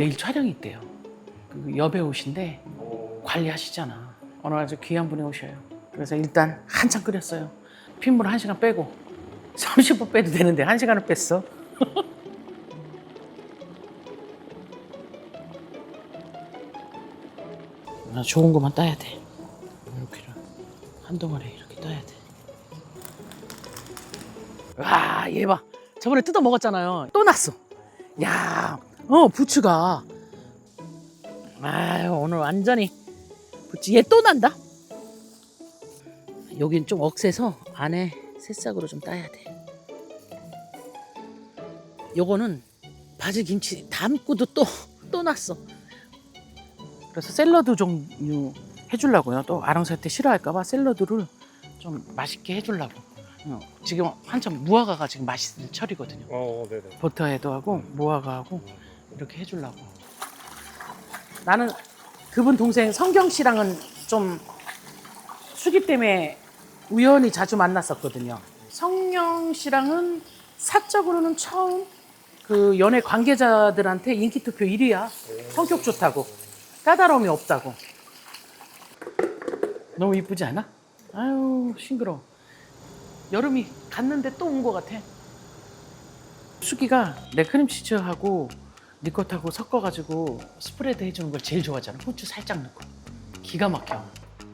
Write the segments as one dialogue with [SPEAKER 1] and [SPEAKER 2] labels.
[SPEAKER 1] 내일 촬영이 있대요. 그 여배우신데 관리하시잖아. 오늘 아주 귀한 분이 오셔요. 그래서 일단 한참 끓였어요. 핏물 1시간 빼고 30분 빼도 되는데 1시간을 뺐어. 좋은 것만 따야 돼. 이렇게 한 덩어리 이렇게 따야 돼. 와, 얘 봐. 저번에 뜯어 먹었잖아요. 또 났어. 야, 부추가. 아유, 오늘 완전히 부추. 얘 또 난다. 여긴 좀 억세서 안에 새싹으로 좀 따야 돼. 요거는 바질 김치 담고도 또 났어. 그래서 샐러드 종류 해주려고요. 또 아랑살때 싫어할까봐 샐러드를 좀 맛있게 해주려고. 지금 한참 무화과가 지금 맛있을 철이거든요.
[SPEAKER 2] 네네.
[SPEAKER 1] 버터에도 하고 무화과하고 이렇게 해주려고. 나는 그분 동생 성경 씨랑은 좀 수기 때문에 우연히 자주 만났었거든요. 성경 씨랑은 사적으로는 처음 그 연애 관계자들한테 인기 투표 1위야. 성격 좋다고. 까다로움이 없다고. 너무 이쁘지 않아? 아유, 싱그러워. 여름이 갔는데 또 온 것 같아. 수기가 내 크림치즈하고 니컷하고 섞어가지고 스프레드 해주는 걸 제일 좋아하잖아. 후추 살짝 넣고. 기가 막혀.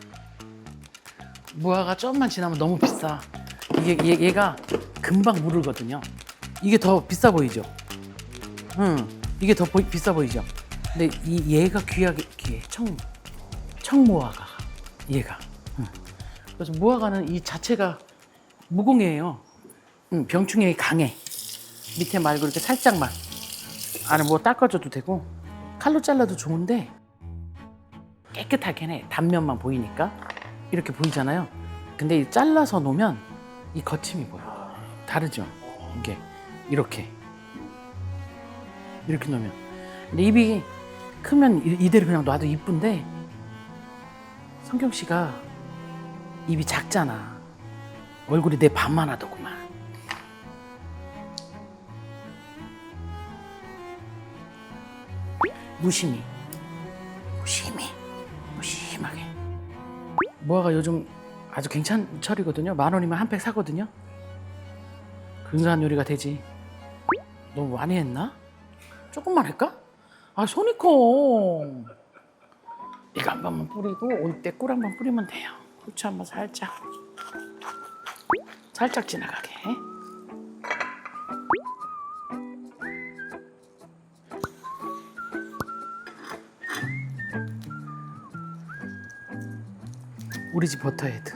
[SPEAKER 1] 무화과 좀만 지나면 너무 비싸. 얘가 금방 무르거든요. 이게 더 비싸 보이죠? 이게 더 비싸 보이죠? 근데 얘가 귀하게 귀해. 청무화과. 얘가. 그래서 무화과는 이 자체가 무공해예요. 병충해에 강해. 밑에 말고 이렇게 살짝만. 안에 뭐 닦아줘도 되고 칼로 잘라도 좋은데 깨끗하긴 해. 단면만 보이니까 이렇게 보이잖아요. 근데 잘라서 놓으면 이 거침이 보여. 다르죠? 이게 이렇게 놓으면. 근데 입이 크면 이대로 그냥 놔도 이쁜데 성경 씨가 입이 작잖아. 얼굴이 내 반만 하더구만. 무심하게. 무화과 요즘 아주 괜찮은 철이거든요. 10,000원이면 한 팩 사거든요. 근사한 요리가 되지. 너무 많이 했나? 조금만 할까? 아, 손이 커. 이거 한 번만 뿌리고 올 때 꿀 한 번 뿌리면 돼요. 후추 한 번 살짝 지나가게. 우리 집 버터헤드.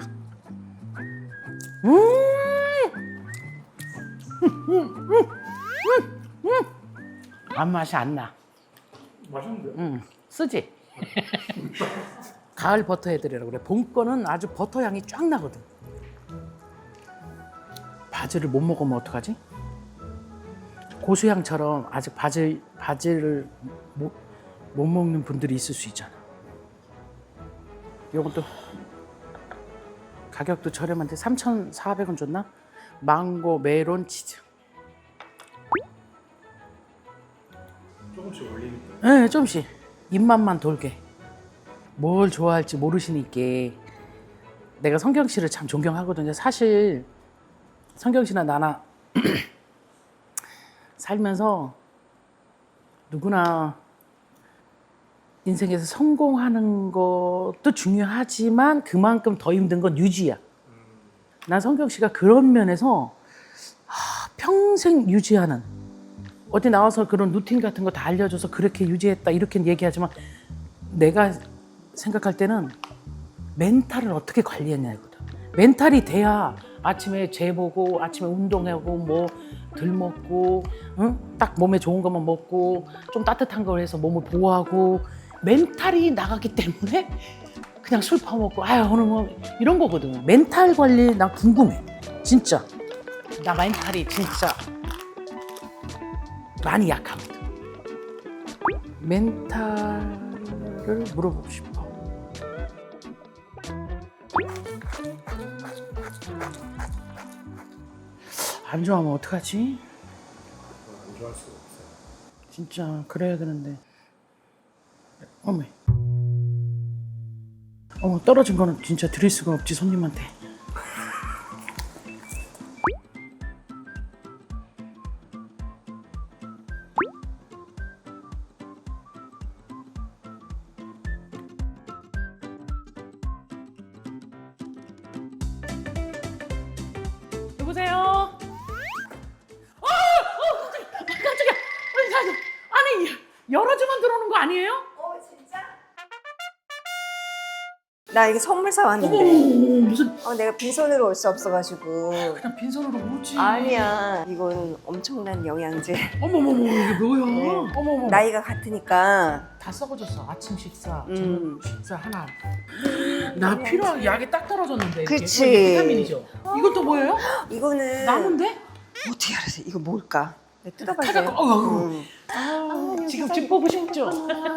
[SPEAKER 1] 안 맛이 안 나.
[SPEAKER 2] 맛있는데요?
[SPEAKER 1] 쓰지? 가을 버터헤드라고 그래. 봄 거는 아주 버터 향이 쫙 나거든. 바질을 못 먹으면 어떡하지? 고수향처럼 아직 바질을 못 먹는 분들이 있을 수 있잖아. 요것도 가격도 저렴한데 3,400원 줬나? 망고 메론 치즈.
[SPEAKER 2] 조금씩 올리니까.
[SPEAKER 1] 네, 조금씩 입맛만 돌게. 뭘 좋아할지 모르시니까. 내가 성경 씨를 참 존경하거든요. 사실 성경 씨나 나나 살면서 누구나 인생에서 성공하는 것도 중요하지만 그만큼 더 힘든 건 유지야. 난 성경 씨가 그런 면에서 평생 유지하는, 어디 나와서 그런 루틴 같은 거 다 알려줘서 그렇게 유지했다 이렇게 얘기하지만 내가 생각할 때는 멘탈을 어떻게 관리했냐거든. 멘탈이 돼야 아침에 재보고 아침에 운동하고 뭐 덜 먹고 딱 몸에 좋은 것만 먹고 좀 따뜻한 걸 해서 몸을 보호하고 멘탈이 나가기 때문에 그냥 술 퍼먹고 아유 오늘 뭐 이런 거거든. 멘탈 관리 나 궁금해. 진짜 나 멘탈이 진짜 많이 약하거든. 멘탈을 물어보고 싶어. 안 좋아하면 어떡하지?
[SPEAKER 2] 안 좋아할 수가 없어요.
[SPEAKER 1] 진짜 그래야 되는데 어머. 어머, 떨어진 거는 진짜 드릴 수가 없지, 손님한테. 여보세요? 깜짝이야. 아니, 열어주면 들어오는 거 아니에요?
[SPEAKER 3] 진짜? 나 이게 선물 사왔는데
[SPEAKER 1] 무슨
[SPEAKER 3] 내가 빈손으로 올 수 없어가지고.
[SPEAKER 1] 그냥 빈손으로 오지.
[SPEAKER 3] 아니야, 이거는 엄청난 영양제.
[SPEAKER 1] 어머머머, 이게 뭐야?
[SPEAKER 3] 네.
[SPEAKER 1] 어머머.
[SPEAKER 3] 나이가 같으니까.
[SPEAKER 1] 다 썩어졌어. 아침 식사,
[SPEAKER 3] 음.
[SPEAKER 1] 저녁 식사 하나. 나 필요한 약이 딱 떨어졌는데. 이게.
[SPEAKER 3] 그치.
[SPEAKER 1] 이게 비타민이죠. 이건 또 뭐예요?
[SPEAKER 3] 이거는
[SPEAKER 1] 나무인데?
[SPEAKER 3] 어떻게 알았어? 이거 뭘까? 내가 뜯어봐야
[SPEAKER 1] 찾았고,
[SPEAKER 3] 돼.
[SPEAKER 1] 지금 집 보고 싶죠?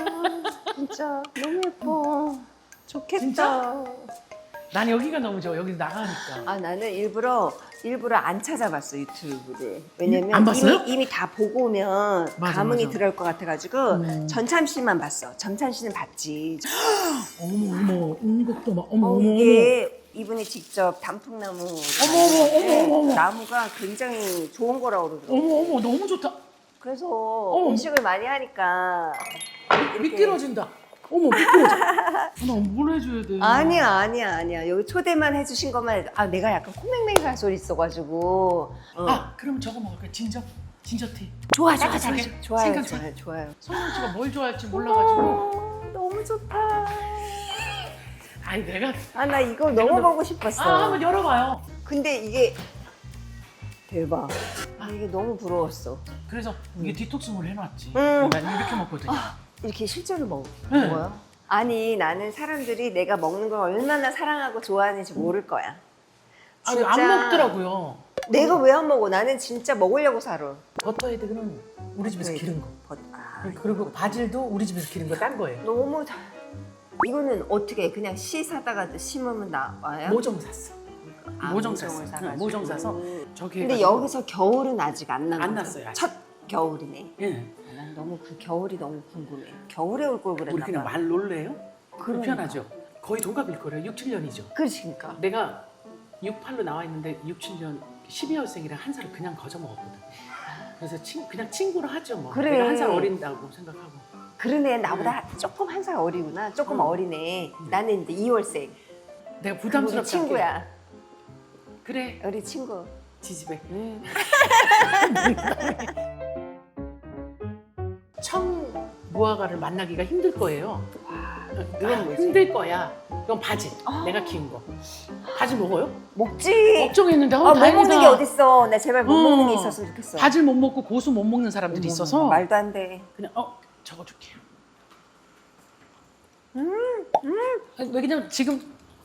[SPEAKER 3] 진짜 너무 예뻐. 좋겠다.
[SPEAKER 1] 진짜? 난 여기가 너무 좋아. 여기 나가니까.
[SPEAKER 3] 나는 일부러 안 찾아봤어, 유튜브를. 왜냐면
[SPEAKER 1] 안 봤어요?
[SPEAKER 3] 이미 다 보고 오면
[SPEAKER 1] 맞아,
[SPEAKER 3] 감흥이
[SPEAKER 1] 맞아.
[SPEAKER 3] 들어올 것 같아가지고 전참시만 봤어. 전참시는 봤지.
[SPEAKER 1] 어머, 은곡도 막, 어머.
[SPEAKER 3] 이게 이분이 직접 단풍나무
[SPEAKER 1] 어머.
[SPEAKER 3] 나무가 굉장히 좋은 거라고 그러더라고.
[SPEAKER 1] 어머, 너무 좋다.
[SPEAKER 3] 그래서 음식을 많이 하니까
[SPEAKER 1] 미끄러진다. 어머, 미끄러져. 나뭘 해줘야 돼?
[SPEAKER 3] 아니야. 여기 초대만 해주신 것만 해도 내가 약간 코맹맹이한 소리 있어가지고.
[SPEAKER 1] 그럼 저거 먹을까? 진저티.
[SPEAKER 3] 좋아요.
[SPEAKER 1] 생강차.
[SPEAKER 3] 좋아요.
[SPEAKER 1] 성현 씨가 뭘 좋아할지 몰라가지고.
[SPEAKER 3] 너무 좋다.
[SPEAKER 1] 아니, 내가.
[SPEAKER 3] 나 이거 너무 보고 싶었어.
[SPEAKER 1] 한번 열어봐요.
[SPEAKER 3] 근데 이게 대박. 이게 너무 부러웠어.
[SPEAKER 1] 그래서 이게 디톡스물 해놨지.
[SPEAKER 3] 음.
[SPEAKER 1] 난 이렇게 먹거든요.
[SPEAKER 3] 이렇게 실제로
[SPEAKER 1] 네.
[SPEAKER 3] 먹어요? 아니, 나는 사람들이 내가 먹는 걸 얼마나 사랑하고 좋아하는지 모를 거야.
[SPEAKER 1] 아니, 안 먹더라고요.
[SPEAKER 3] 내가 왜 안 먹어? 나는 진짜 먹으려고 살아.
[SPEAKER 1] 버터헤드는 우리 집에서
[SPEAKER 3] 버터헤드.
[SPEAKER 1] 기른 거.
[SPEAKER 3] 아,
[SPEAKER 1] 그리고 바질도 우리 집에서 기른 거 딴 거예요.
[SPEAKER 3] 너무 이거는 어떻게 그냥 씨 사다가 심으면 나와요?
[SPEAKER 1] 모종 샀어. 모종
[SPEAKER 3] 모종을
[SPEAKER 1] 샀어.
[SPEAKER 3] 사가지고.
[SPEAKER 1] 모종 사서 저기.
[SPEAKER 3] 근데
[SPEAKER 1] 해가지고.
[SPEAKER 3] 여기서 겨울은 아직 안 난
[SPEAKER 1] 안
[SPEAKER 3] 거죠?
[SPEAKER 1] 났어요, 아직.
[SPEAKER 3] 첫 겨울이네.
[SPEAKER 1] 예.
[SPEAKER 3] 난 너무 그 겨울이 너무 궁금해. 겨울에 올 걸
[SPEAKER 1] 우리
[SPEAKER 3] 그랬나
[SPEAKER 1] 그냥
[SPEAKER 3] 봐.
[SPEAKER 1] 말 놀래요?
[SPEAKER 3] 그러니까.
[SPEAKER 1] 불편하죠. 거의 동갑일 거예요. 6, 7년이죠.
[SPEAKER 3] 그러니까.
[SPEAKER 1] 내가 68로 나와 있는데 6, 7년 12월생이랑 한 살을 그냥 거저 먹었거든. 그래서 그냥 친구로 하죠 뭐.
[SPEAKER 3] 그래.
[SPEAKER 1] 내가 한 살 어린다고 생각하고.
[SPEAKER 3] 그러네, 나보다 조금 한 살 어리구나. 조금 어리네. 나는 이제 2월생.
[SPEAKER 1] 내가
[SPEAKER 3] 우리
[SPEAKER 1] 부담스럽게
[SPEAKER 3] 친구야.
[SPEAKER 1] 할게. 그래,
[SPEAKER 3] 우리 친구.
[SPEAKER 1] 지집애. 청무화과를 만나기가 힘들 거예요.
[SPEAKER 3] 이건 뭐지?
[SPEAKER 1] 힘들 거야. 이건 바질. 내가 키운 거. 바질 먹어요?
[SPEAKER 3] 먹지.
[SPEAKER 1] 걱정했는데
[SPEAKER 3] 못
[SPEAKER 1] 다행이다.
[SPEAKER 3] 먹는 게 어딨어. 나 제발 못 먹는 게 있었으면 좋겠어.
[SPEAKER 1] 바질 못 먹고 고수 못 먹는 사람들이 있어서
[SPEAKER 3] 말도 안 돼.
[SPEAKER 1] 그냥 적어줄게요. 아니, 왜냐면 지금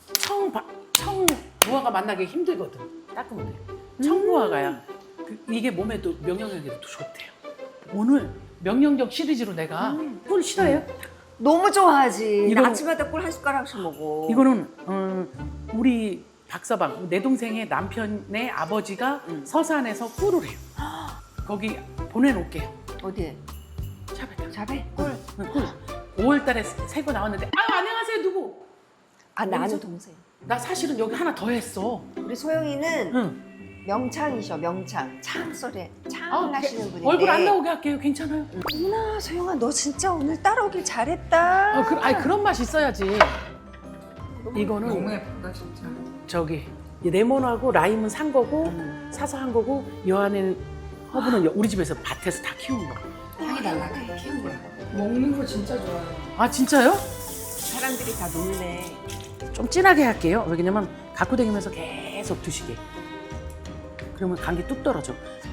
[SPEAKER 1] 청무화과 만나기 힘들거든. 닦으면 돼. 청무화과야. 이게 몸에도 명령력에도 좋대요. 오늘 명령력 시리즈로 내가 꿀 싫어해요?
[SPEAKER 3] 너무 좋아하지. 나
[SPEAKER 1] 이건-
[SPEAKER 3] 아침마다 꿀 한 숟가락씩 먹어.
[SPEAKER 1] 이거는 우리 박서방 내 동생의 남편의 아버지가 서산에서 꿀을 해요. 거기 보내놓을게요.
[SPEAKER 3] 어디에?
[SPEAKER 1] 샵에.
[SPEAKER 3] 잡에? 꿀.
[SPEAKER 1] 꿀. 5월달에 새거 나왔는데 안녕하세요 누구?
[SPEAKER 3] 나는
[SPEAKER 1] 어디서?
[SPEAKER 3] 동생.
[SPEAKER 1] 나 사실은 여기 하나 더 했어.
[SPEAKER 3] 우리 소영이는
[SPEAKER 1] 응.
[SPEAKER 3] 명창이셔, 명창. 창 소리. 창 나시는 분인데.
[SPEAKER 1] 얼굴 안 나오게 할게요. 괜찮아요.
[SPEAKER 3] 어머나, 소영아, 너 진짜 오늘 따라오길 잘했다.
[SPEAKER 1] 그런 맛 있어야지. 이거는
[SPEAKER 2] 너무 예쁘다 진짜.
[SPEAKER 1] 저기 이 레몬하고 라임은 산 거고 사서 한 거고 이 안에는 허브는 우리 집에서 밭에서 다 키운 거.
[SPEAKER 3] 향이 날라가. 키운 거야.
[SPEAKER 2] 먹는 거 진짜 좋아요.
[SPEAKER 1] 아 진짜요?
[SPEAKER 3] 사람들이 다 놀래.
[SPEAKER 1] 좀 진하게 할게요. 왜냐면 갖고 다니면서 계속 드시게. 그러면 감기 뚝 떨어져.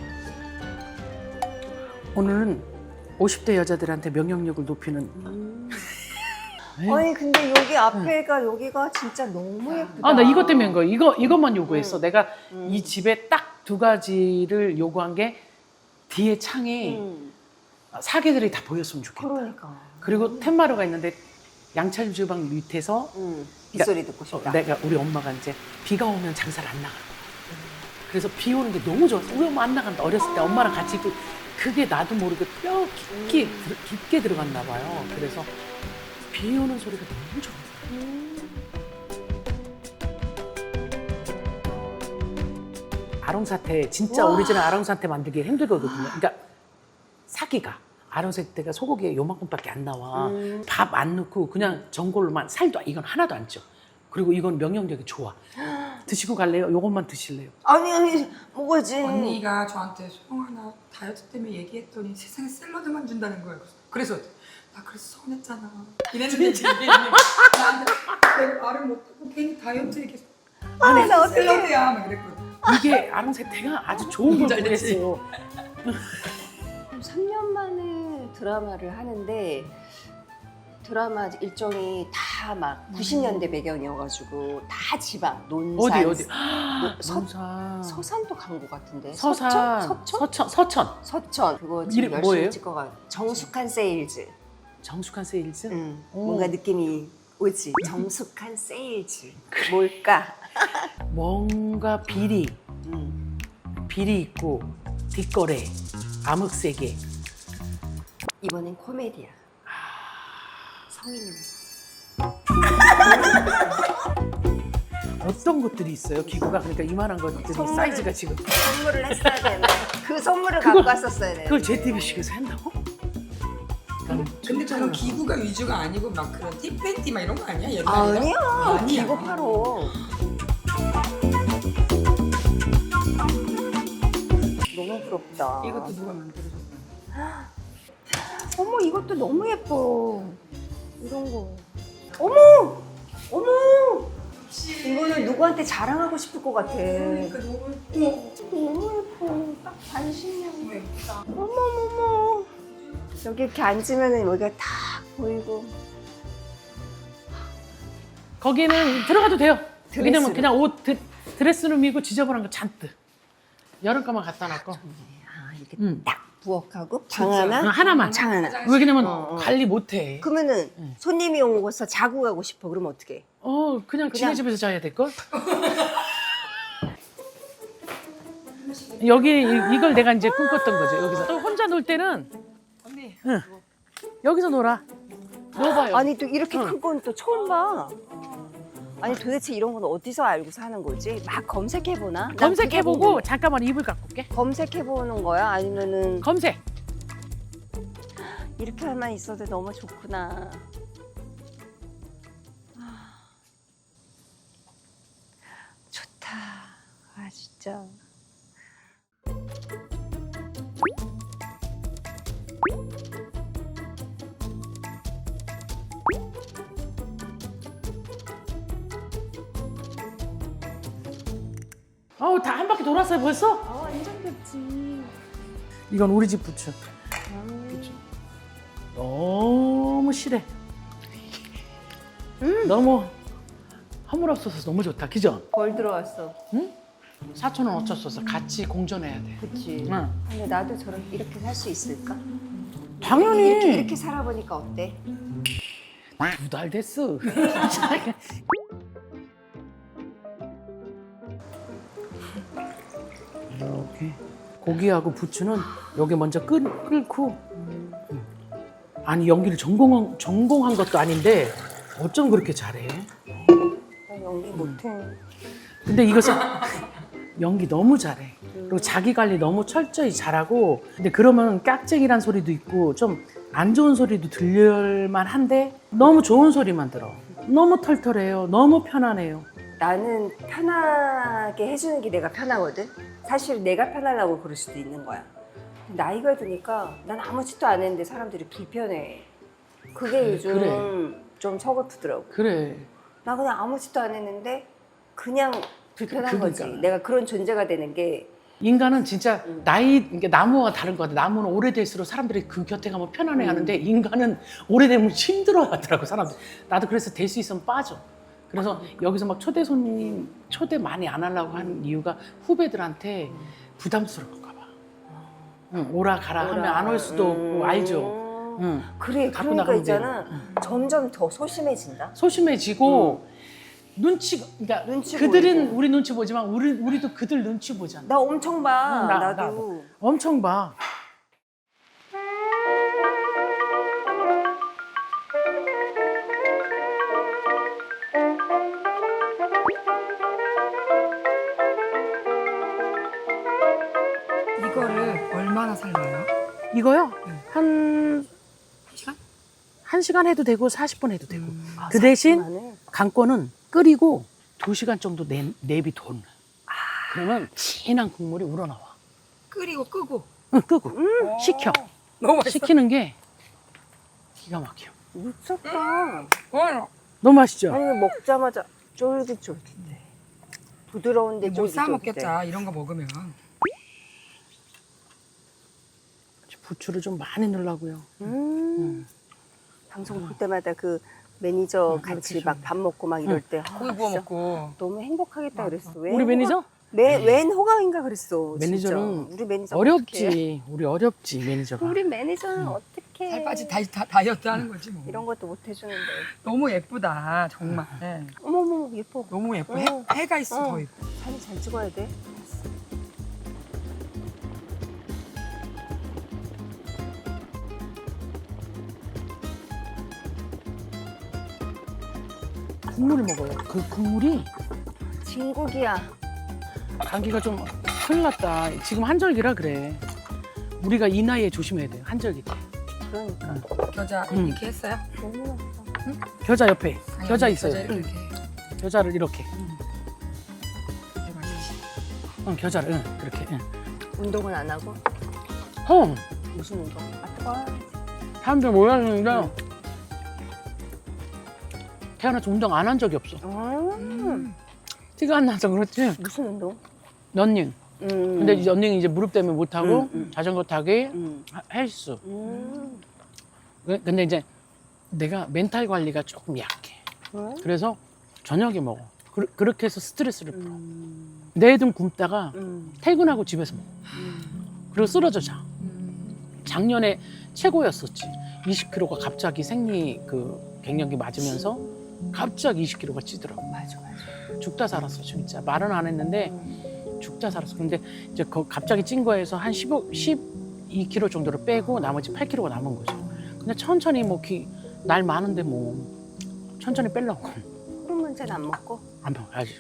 [SPEAKER 1] 오늘은 50대 여자들한테 명령력을 높이는.
[SPEAKER 3] 아니, 근데 여기 앞에가 여기가 진짜 너무 예쁘다.
[SPEAKER 1] 나 이것 때문에 한 거야. 이것만 요구했어. 내가 이 집에 딱 두 가지를 요구한 게 뒤에 창에 사계들이 다 보였으면 좋겠다.
[SPEAKER 3] 그러니까.
[SPEAKER 1] 그리고 텐마루가 있는데 양철 주방 밑에서
[SPEAKER 3] 빗소리 듣고 싶다.
[SPEAKER 1] 내가 우리 엄마가 이제 비가 오면 장사를 안 나가. 그래서 비 오는 게 너무 좋았어. 우리 엄마 안 나간다. 어렸을 때 엄마랑 같이 그게 나도 모르게 뼈 깊게 들어갔나 봐요. 그래서 비 오는 소리가 너무 좋아. 아롱사태 진짜
[SPEAKER 3] 와.
[SPEAKER 1] 오리지널 아롱사태 만들기 힘들거든요. 그러니까 사기가 아롱사태가 소고기에 요만큼밖에 안 나와. 밥 안 넣고 그냥 전골로만 살도 이건 하나도 안 쪄. 그리고 이건 명령력이 좋아. 드시고 갈래요? 요것만 드실래요?
[SPEAKER 3] 아니 먹어야지.
[SPEAKER 2] 언니가 저한테 소영아 나 다이어트 때문에 얘기했더니 세상에 샐러드만 준다는 거예요. 그래서 나 그래서 서운했잖아. 이랬는데 얘기했는데 나한테 내가 말을 못하고 괜히 다이어트 얘기해서
[SPEAKER 3] 나 어떡해.
[SPEAKER 2] 샐러드야 막 이랬거든.
[SPEAKER 1] 이게 아롱사태가 아주 좋은 걸
[SPEAKER 2] 잘 됐지.
[SPEAKER 1] 보냈어요.
[SPEAKER 3] 3년 만에 드라마를 하는데 드라마 일정이 다 막 90년대 배경이어가지고 다 지방, 논산,
[SPEAKER 1] 어디?
[SPEAKER 3] 서산.
[SPEAKER 1] 서산.
[SPEAKER 3] 서산도 간 것 같은데.
[SPEAKER 1] 서산.
[SPEAKER 3] 서천?
[SPEAKER 1] 서천.
[SPEAKER 3] 그거 지금
[SPEAKER 1] 이름
[SPEAKER 3] 열심히
[SPEAKER 1] 뭐예요?
[SPEAKER 3] 찍어가. 정숙한 세일즈.
[SPEAKER 1] 정숙한 세일즈? 오.
[SPEAKER 3] 뭔가 느낌이 오지. 정숙한 세일즈. 뭘까?
[SPEAKER 1] 뭔가 비리 있고 뒷거래, 암흑세계.
[SPEAKER 3] 이번엔 코미디야. 성인용.
[SPEAKER 1] 어떤 것들이 있어요? 기구가 그러니까 이만한 것들이 사이즈가 지금
[SPEAKER 3] 선물을 했어야 되는데 그 선물을 갖고 왔었어야 되는데.
[SPEAKER 1] 그걸 JTBC에서 한다고?
[SPEAKER 2] 근데 그런 기구가 위주가 아니고 막 그런 팁팬티 막 이런 거 아니야? 옛날에?
[SPEAKER 3] 아니야. 기구 팔어. 너무 부럽다.
[SPEAKER 2] 이것도 누가 만들어줬어?
[SPEAKER 3] 어머 이것도 너무 예뻐. 이런 거. 어머! 어머! 이거는 누구한테 자랑하고 싶을 것 같아.
[SPEAKER 2] 그러니까 너무 예뻐.
[SPEAKER 3] 너무 예뻐. 딱 반신욕.
[SPEAKER 2] 너무 예쁘다.
[SPEAKER 3] 어머머머. 여기 이렇게 앉으면 여기가 딱 보이고.
[SPEAKER 1] 거기는 들어가도 돼요.
[SPEAKER 3] 드레스룸.
[SPEAKER 1] 왜냐면 그냥 옷 드레스룸이고 지저분한 거 잔뜩. 여름가만 갖다 놨고.
[SPEAKER 3] 아 이렇게
[SPEAKER 1] 응.
[SPEAKER 3] 딱 부엌하고 방 하나,
[SPEAKER 1] 하나만.
[SPEAKER 3] 장 하나.
[SPEAKER 1] 왜냐면 관리 못해.
[SPEAKER 3] 그러면은 손님이 오고서 자고 가고 싶어. 그러면 어떻게?
[SPEAKER 1] 그냥 지네 집에서 자야 될 걸. 여기 이걸 내가 이제 꿈꿨던 거죠. 여기서 또 혼자 놀 때는
[SPEAKER 2] 언니.
[SPEAKER 1] 여기서 놀아. 놀아요.
[SPEAKER 3] 아니 또 이렇게 큰 건 또 처음 봐. 아니 도대체 이런 건 어디서 알고 사는 거지? 막 검색해보나? 난 그게
[SPEAKER 1] 검색해보고
[SPEAKER 3] 궁금해.
[SPEAKER 1] 잠깐만 이불 갖고 올게.
[SPEAKER 3] 검색해보는 거야? 아니면은
[SPEAKER 1] 검색.
[SPEAKER 3] 이렇게만 있어도 너무 좋구나. 좋다. 아 진짜.
[SPEAKER 1] 다 한 바퀴 돌았어요 벌써?
[SPEAKER 3] 완전 좋지.
[SPEAKER 1] 이건 우리 집 부츠. 너무 실해. 너무 허물없어서 너무 좋다. 그죠?
[SPEAKER 3] 벌 들어왔어.
[SPEAKER 1] 사촌은 어쩔 수 없어. 같이 공존해야 돼.
[SPEAKER 3] 그치.
[SPEAKER 1] 응.
[SPEAKER 3] 근데 나도 저렇게 이렇게 살 수 있을까?
[SPEAKER 1] 당연히.
[SPEAKER 3] 이렇게 살아보니까 어때?
[SPEAKER 1] 2달 됐어. 이렇게 고기하고 부추는 여기 먼저 끓고. 아니 연기를 전공한 것도 아닌데 어쩜 그렇게 잘해?
[SPEAKER 3] 나 연기 못해.
[SPEAKER 1] 근데 이것은 연기 너무 잘해. 그리고 자기 관리 너무 철저히 잘하고. 근데 그러면 깍쟁이란 소리도 있고 좀 안 좋은 소리도 들릴만 한데 너무 좋은 소리만 들어. 너무 털털해요. 너무 편안해요.
[SPEAKER 3] 나는 편하게 해주는 게 내가 편하거든. 사실 내가 편하다고 그럴 수도 있는 거야. 나이가 드니까 난 아무 짓도 안 했는데 사람들이 불편해. 그게 요즘
[SPEAKER 1] 그래.
[SPEAKER 3] 좀 서글프더라고.
[SPEAKER 1] 그래.
[SPEAKER 3] 나 그냥 아무 짓도 안 했는데 그냥 불편한 거지.
[SPEAKER 1] 그러니까.
[SPEAKER 3] 내가 그런 존재가 되는 게.
[SPEAKER 1] 인간은 진짜 그러니까 나무와 다른 것 같아. 나무는 오래될수록 사람들이 그 곁에 가면 편안해 하는데 인간은 오래되면 힘들어 하더라고, 사람들. 나도 그래서 될 수 있으면 빠져. 그래서 여기서 막 초대 손님, 초대 많이 안 하려고 하는 이유가 후배들한테 부담스러울까 봐. 응, 오라 가라 하면 안 올 수도 없고, 알죠? 응.
[SPEAKER 3] 그래,
[SPEAKER 1] 갖고
[SPEAKER 3] 그러니까
[SPEAKER 1] 나가면
[SPEAKER 3] 있잖아. 점점 더 소심해진다.
[SPEAKER 1] 소심해지고, 그러니까
[SPEAKER 3] 눈치
[SPEAKER 1] 그들은
[SPEAKER 3] 보이고.
[SPEAKER 1] 우리 눈치 보지만 우리도 그들 눈치 보잖아.
[SPEAKER 3] 나 엄청 봐.
[SPEAKER 1] 응,
[SPEAKER 3] 나도.
[SPEAKER 1] 엄청 봐. 이거요? 한
[SPEAKER 2] 시간?
[SPEAKER 1] 1시간 해도 되고 40분 해도 되고.
[SPEAKER 3] 아,
[SPEAKER 1] 그 대신
[SPEAKER 3] 상큼하네.
[SPEAKER 1] 강권은 끓이고 2시간 정도 내비둬. 그러면 진한 국물이 우러나와.
[SPEAKER 2] 끓이고 끄고.
[SPEAKER 1] 응, 끄고 식혀.
[SPEAKER 2] 너무 맛있어.
[SPEAKER 1] 식히는 게 기가 막혀.
[SPEAKER 3] 미쳤다.
[SPEAKER 1] 너무 맛있죠?
[SPEAKER 3] 아니 먹자마자 쫄깃쫄깃해. 부드러운데
[SPEAKER 2] 못 사
[SPEAKER 3] 쫄깃쫄깃해.
[SPEAKER 2] 먹겠다 이런 거 먹으면.
[SPEAKER 1] 부추를 좀 많이 넣으려고요.
[SPEAKER 3] 방송 볼 때마다 그 매니저 같이
[SPEAKER 1] 그렇게
[SPEAKER 3] 막 밥 먹고 막 이럴 때
[SPEAKER 2] 고기 구워
[SPEAKER 3] 진짜
[SPEAKER 2] 먹고.
[SPEAKER 3] 너무 행복하겠다 그랬어.
[SPEAKER 1] 우리 매니저?
[SPEAKER 3] 웬 호감인가 그랬어.
[SPEAKER 1] 매니저는
[SPEAKER 3] 진짜. 우리 매니저
[SPEAKER 1] 어렵지. 우리 어렵지, 매니저가.
[SPEAKER 3] 우리 매니저는 어떻게
[SPEAKER 2] 살 빠지 다이어트 하는 거지 뭐.
[SPEAKER 3] 이런 것도 못 해주는데.
[SPEAKER 2] 너무 예쁘다 정말. 네.
[SPEAKER 3] 어머머 예뻐.
[SPEAKER 2] 너무 예뻐.
[SPEAKER 3] 어.
[SPEAKER 2] 해가 있어
[SPEAKER 3] 어.
[SPEAKER 2] 거의.
[SPEAKER 3] 사진 잘 찍어야 돼.
[SPEAKER 1] 국물을 먹어요. 그 국물이
[SPEAKER 3] 진국이야.
[SPEAKER 1] 감기가 좀 큰일 났다. 지금 한절기라 그래. 우리가 이 나이에 조심해야 돼요. 한절기 때.
[SPEAKER 3] 그러니까.
[SPEAKER 2] 겨자 이렇게 했어요?
[SPEAKER 3] 너무 맛있어.
[SPEAKER 1] 겨자 옆에.
[SPEAKER 2] 아니,
[SPEAKER 1] 겨자
[SPEAKER 2] 아니,
[SPEAKER 1] 있어요.
[SPEAKER 2] 겨자 이렇게.
[SPEAKER 1] 겨자를 이렇게.
[SPEAKER 2] 이게 맛있지.
[SPEAKER 1] 응, 겨자를. 응, 그렇게. 응.
[SPEAKER 3] 운동은 안 하고 무슨 운동? 아 뜨거워.
[SPEAKER 1] 사람들 몰랐는데 태어나서 운동 안 한 적이 없어. 티가 안 나서 그렇지.
[SPEAKER 3] 무슨 운동?
[SPEAKER 1] 런닝. 근데 이제 런닝 이제 무릎 때문에 못 하고 자전거 타기, 헬스. 근데 이제 내가 멘탈 관리가 조금 약해. 그래서 저녁에 먹어. 그렇게 해서 스트레스를 풀어. 내등 굶다가 퇴근하고 집에서 먹어. 그리고 쓰러져 자. 작년에 최고였었지. 20kg가 갑자기 생리 그 갱년기 맞으면서 갑자기 20kg가 찌더라고.
[SPEAKER 3] 맞아.
[SPEAKER 1] 죽다 살았어 진짜. 말은 안 했는데 죽다 살았어. 근데 이제 갑자기 찐 거에서 한 12kg 정도를 빼고 나머지 8kg가 남은 거죠. 근데 천천히 뭐 날 많은데 뭐 천천히 빼려고.
[SPEAKER 3] 호르몬제는 안 먹고?
[SPEAKER 1] 안 먹어야지.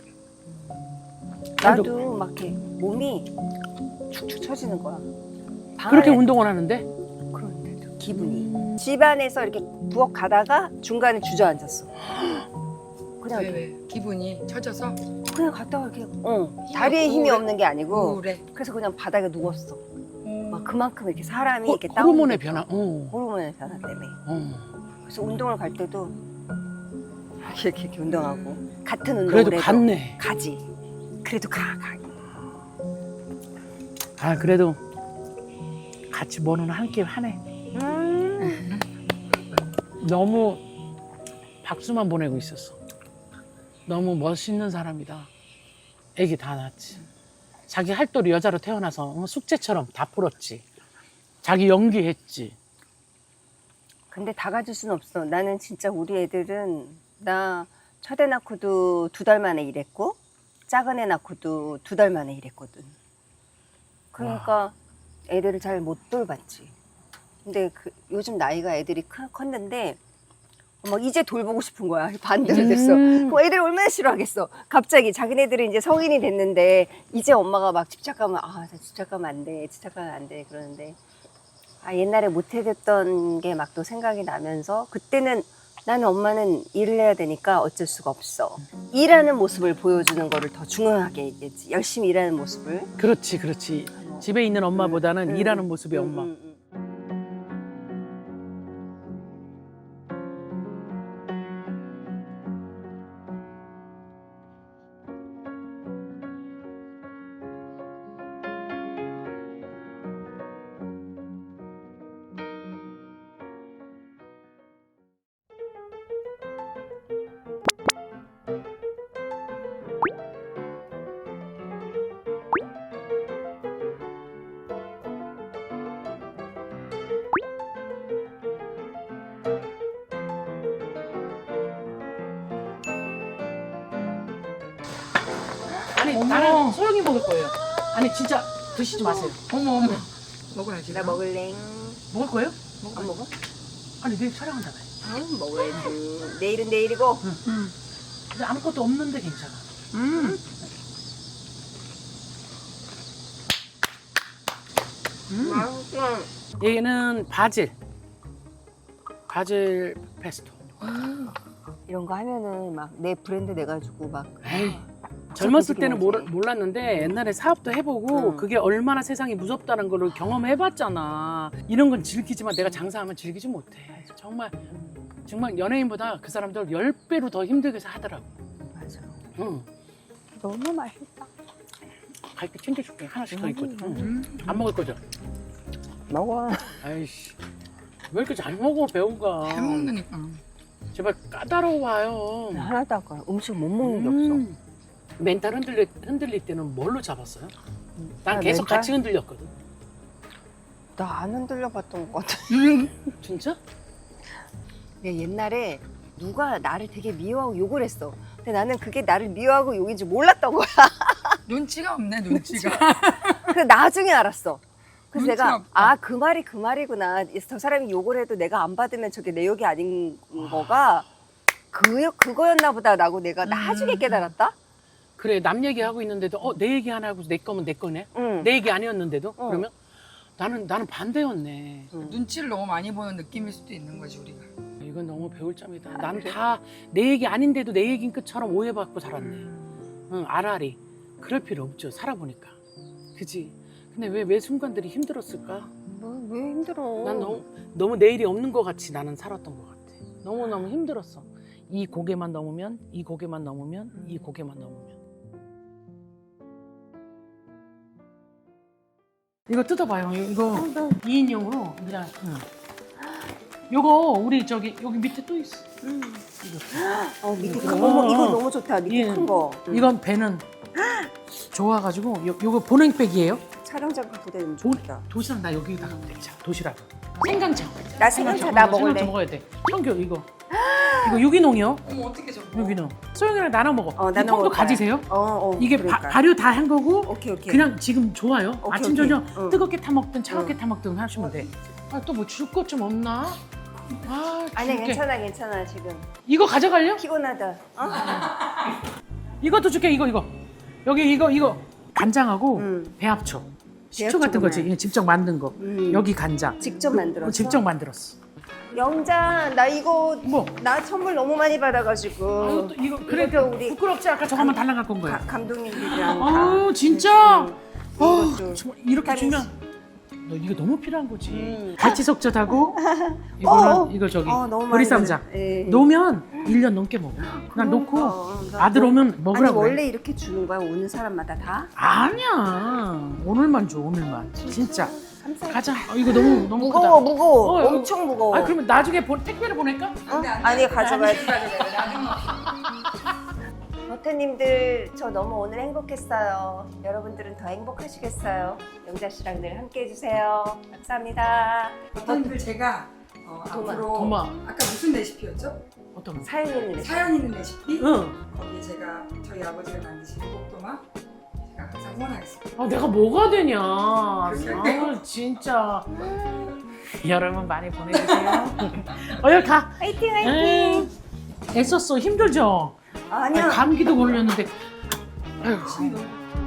[SPEAKER 3] 나도 막 이렇게 몸이 축축 처지는 거야. 방
[SPEAKER 1] 그렇게
[SPEAKER 3] 안에
[SPEAKER 1] 운동을 하는데
[SPEAKER 3] 그런데도 기분이. 집안에서 이렇게 부엌 가다가 중간에 주저앉았어. 그냥
[SPEAKER 2] 왜? 기분이 처져서
[SPEAKER 3] 그냥 갔다가 이렇게 다리에 힘이
[SPEAKER 2] 우울해?
[SPEAKER 3] 없는 게 아니고
[SPEAKER 2] 우울해.
[SPEAKER 3] 그래서 그냥 바닥에 누웠어. 막 그만큼 이렇게 사람이 이렇게
[SPEAKER 1] 호르몬의
[SPEAKER 3] 다운돼.
[SPEAKER 1] 변화.
[SPEAKER 3] 호르몬의 변화 때문에. 그래서 운동을 갈 때도 이렇게 운동하고 같은 운동을
[SPEAKER 1] 그래도
[SPEAKER 3] 해도
[SPEAKER 1] 갔네.
[SPEAKER 3] 가지. 그래도 가.
[SPEAKER 1] 아 그래도 같이 뭐는 한 끼 하네. 너무 박수만 보내고 있었어. 너무 멋있는 사람이다. 애기 다 낳았지. 자기 할도리 여자로 태어나서 숙제처럼 다 풀었지. 자기 연기했지.
[SPEAKER 3] 근데 다 가질 순 없어. 나는 진짜 우리 애들은 나 첫 애 낳고도 2달 만에 일했고 작은 애 낳고도 2달 만에 일했거든. 그러니까 애들을 잘 못 돌봤지. 근데 요즘 나이가 애들이 컸는데 막 이제 돌보고 싶은 거야. 반대로 됐어. 그럼 애들이 얼마나 싫어하겠어. 갑자기 자기네들이 이제 성인이 됐는데 이제 엄마가 막 집착하면 나 집착하면 안 돼. 집착하면 안 돼. 그러는데 옛날에 못 해줬던 게 막 또 생각이 나면서 그때는 나는 엄마는 일을 해야 되니까 어쩔 수가 없어. 일하는 모습을 보여주는 거를 더 중요하게 얘기했지. 열심히 일하는 모습을.
[SPEAKER 1] 그렇지. 집에 있는 엄마보다는 일하는 모습이 엄마. 아니 나는 소영이 먹을 거예요. 아니 진짜 드시지 마세요.
[SPEAKER 2] 어머 먹어야지.
[SPEAKER 3] 나 먹을래.
[SPEAKER 1] 먹을 거예요?
[SPEAKER 3] 안 먹어?
[SPEAKER 1] 아니 내일 촬영한다며.
[SPEAKER 3] 먹어야지. 내일은 내일이고.
[SPEAKER 1] 근데 아무것도 없는데 괜찮아.
[SPEAKER 3] 맛있어.
[SPEAKER 1] 얘는 바질 페스토.
[SPEAKER 3] 이런 거 하면은 막 내 브랜드 내가지고 막
[SPEAKER 1] 에이, 젊었을 때는
[SPEAKER 3] 하지.
[SPEAKER 1] 몰랐는데 옛날에 사업도 해보고
[SPEAKER 3] 응.
[SPEAKER 1] 그게 얼마나 세상이 무섭다는 걸 경험해봤잖아. 이런 건 즐기지만 내가 장사하면 즐기지 못해. 정말 연예인보다 그 사람들 10배로 더 힘들게 하더라고.
[SPEAKER 3] 맞아.
[SPEAKER 1] 응.
[SPEAKER 3] 너무 맛있다.
[SPEAKER 1] 갈비 챙겨줄게. 하나씩 더 있거든. 응. 안 먹을 거죠?
[SPEAKER 3] 먹어.
[SPEAKER 1] 아이씨. 왜 이렇게 잘 먹어, 배우가.
[SPEAKER 2] 잘 먹는다니까.
[SPEAKER 1] 제발 까다로워요.
[SPEAKER 3] 하나도 아까 음식 못 먹는 게 없어.
[SPEAKER 1] 멘탈 흔들릴 때는 뭘로 잡았어요? 난
[SPEAKER 3] 아,
[SPEAKER 1] 계속
[SPEAKER 3] 멘탈?
[SPEAKER 1] 같이 흔들렸거든.
[SPEAKER 3] 나 안 흔들려 봤던 것 같아.
[SPEAKER 1] 진짜?
[SPEAKER 3] 내가 옛날에 누가 나를 되게 미워하고 욕을 했어. 근데 나는 그게 나를 미워하고 욕인지 몰랐던 거야.
[SPEAKER 2] 눈치가 없네, 눈치가.
[SPEAKER 3] 그 나중에 알았어. 그래서
[SPEAKER 2] 눈치가
[SPEAKER 3] 내가
[SPEAKER 2] 없다.
[SPEAKER 3] 아 그 말이 그 말이구나. 저 사람이 욕을 해도 내가 안 받으면 저게 내 욕이 아닌 거가 그거였나 보다 라고 내가 나중에 깨달았다.
[SPEAKER 1] 그래, 남 얘기하고 있는데도 내 얘기 하나 하고 내 거면 내 거네.
[SPEAKER 3] 응.
[SPEAKER 1] 내 얘기 아니었는데도
[SPEAKER 3] 어.
[SPEAKER 1] 그러면 나는 반대였네.
[SPEAKER 2] 눈치를 너무 많이 보는 느낌일 수도 있는 거지, 우리가.
[SPEAKER 1] 이건 너무 배울 점이다.
[SPEAKER 3] 아,
[SPEAKER 1] 나는
[SPEAKER 3] 그래?
[SPEAKER 1] 다 내 얘기 아닌데도 내 얘기인 것처럼 오해받고 살았네. 응, 아라리. 그럴 필요 없죠. 살아보니까. 그지? 근데 왜 매 순간들이 힘들었을까?
[SPEAKER 3] 왜 힘들어?
[SPEAKER 1] 난 너무 내일이 없는 것 같이 나는 살았던 것 같아. 너무너무 힘들었어. 이 고개만 넘으면, 이 고개만 넘으면, 이 고개만 넘으면. 이거 뜯어봐요. 이거 2인용으로 그냥. 요거 우리 여기 밑에 또 있어.
[SPEAKER 3] 밑에 큰 거. 이거 너무 좋다. 밑에
[SPEAKER 1] 예.
[SPEAKER 3] 큰 거.
[SPEAKER 1] 이건 배는 좋아가지고 요거 보냉백이에요.
[SPEAKER 3] 촬영장 갖고 다니면
[SPEAKER 1] 도,
[SPEAKER 3] 좋겠다.
[SPEAKER 1] 도시락 나 여기다가 먹자. 도시락. 생강차.
[SPEAKER 3] 나 생강차 나 먹을래.
[SPEAKER 1] 생강차 먹어야 돼. 청교 이거 유기농이요.
[SPEAKER 2] 어머, 어떻게 저거.
[SPEAKER 1] 유기농. 소영이랑 나눠 먹어. 이
[SPEAKER 3] 나눠
[SPEAKER 1] 통도
[SPEAKER 3] 먹을 거야.
[SPEAKER 1] 가지세요? 이게
[SPEAKER 3] 그러니까.
[SPEAKER 1] 발효 다 한 거고
[SPEAKER 3] 오케이.
[SPEAKER 1] 그냥 지금 좋아요.
[SPEAKER 3] 오케이,
[SPEAKER 1] 아침
[SPEAKER 3] 오케이.
[SPEAKER 1] 저녁
[SPEAKER 3] 응.
[SPEAKER 1] 뜨겁게 타 먹든 차갑게
[SPEAKER 3] 응.
[SPEAKER 1] 타 먹든 하시면 돼. 또 뭐 줄 것 좀 없나?
[SPEAKER 3] 아니야
[SPEAKER 1] 줄게.
[SPEAKER 3] 괜찮아 지금
[SPEAKER 1] 이거 가져갈려?
[SPEAKER 3] 피곤하다.
[SPEAKER 1] 이것도 줄게. 이거 여기 이거 간장하고 배합초 식초 같은 거지.
[SPEAKER 3] 배합초구나.
[SPEAKER 1] 예, 직접 만든 거. 여기 간장
[SPEAKER 3] 직접 만들었어?
[SPEAKER 1] 직접 만들었어.
[SPEAKER 3] 영자 나 이거
[SPEAKER 1] 뭐?
[SPEAKER 3] 나 선물 너무 많이 받아가지고
[SPEAKER 1] 이거 그래
[SPEAKER 3] 이것도 우리
[SPEAKER 1] 부끄럽지? 아까 저거만 달랑 갖고 온 거야.
[SPEAKER 3] 감독님들이랑
[SPEAKER 1] 아 진짜?
[SPEAKER 3] 이것도
[SPEAKER 1] 정말 이렇게
[SPEAKER 3] 다른
[SPEAKER 1] 주면 너 이거 너무 필요한 거지.
[SPEAKER 3] 음.
[SPEAKER 1] 갈치석젓하고 이거는 이거 저기
[SPEAKER 3] 너무 많이
[SPEAKER 1] 보리쌈장
[SPEAKER 3] 받아. 예.
[SPEAKER 1] 놓으면 1년 넘게 먹어. 난 놓고
[SPEAKER 3] 나
[SPEAKER 1] 아들
[SPEAKER 3] 뭐-
[SPEAKER 1] 오면 먹으라고
[SPEAKER 3] 아니
[SPEAKER 1] 그래.
[SPEAKER 3] 원래 이렇게 주는 거야 오는 사람마다 다?
[SPEAKER 1] 아니야. 오늘만 줘. 오늘만. 진짜.
[SPEAKER 3] 감사해.
[SPEAKER 1] 가자. 이거 너무
[SPEAKER 3] 무거워
[SPEAKER 1] 크다.
[SPEAKER 3] 무거워
[SPEAKER 1] 이거-
[SPEAKER 3] 엄청 무거워.
[SPEAKER 1] 아 그러면 나중에 택배를 보낼까?
[SPEAKER 3] 아니 가져가야지.
[SPEAKER 2] 나중에.
[SPEAKER 3] 버터님들 저 너무 오늘 행복했어요. 여러분들은 더 행복하시겠어요. 영자 씨랑 늘 함께 해주세요. 감사합니다.
[SPEAKER 2] 어떤들 제가 앞으로
[SPEAKER 1] 도마.
[SPEAKER 2] 아까 무슨 레시피였죠?
[SPEAKER 1] 어떤 거?
[SPEAKER 3] 사연 있는 레시피.
[SPEAKER 2] 사연 있는 레시피?
[SPEAKER 1] 응.
[SPEAKER 2] 거기에 제가 저희 아버지가 만드신 복도마 제가 항상 응원하겠습니다.
[SPEAKER 1] 아 내가 뭐가 되냐.
[SPEAKER 2] 그래?
[SPEAKER 1] 아 진짜. 여러분 많이 보내주세요. 여기 가.
[SPEAKER 3] 화이팅
[SPEAKER 1] 에이, 애썼어. 힘들죠?
[SPEAKER 3] 아니야.
[SPEAKER 1] 감기도 걸렸는데. 아유,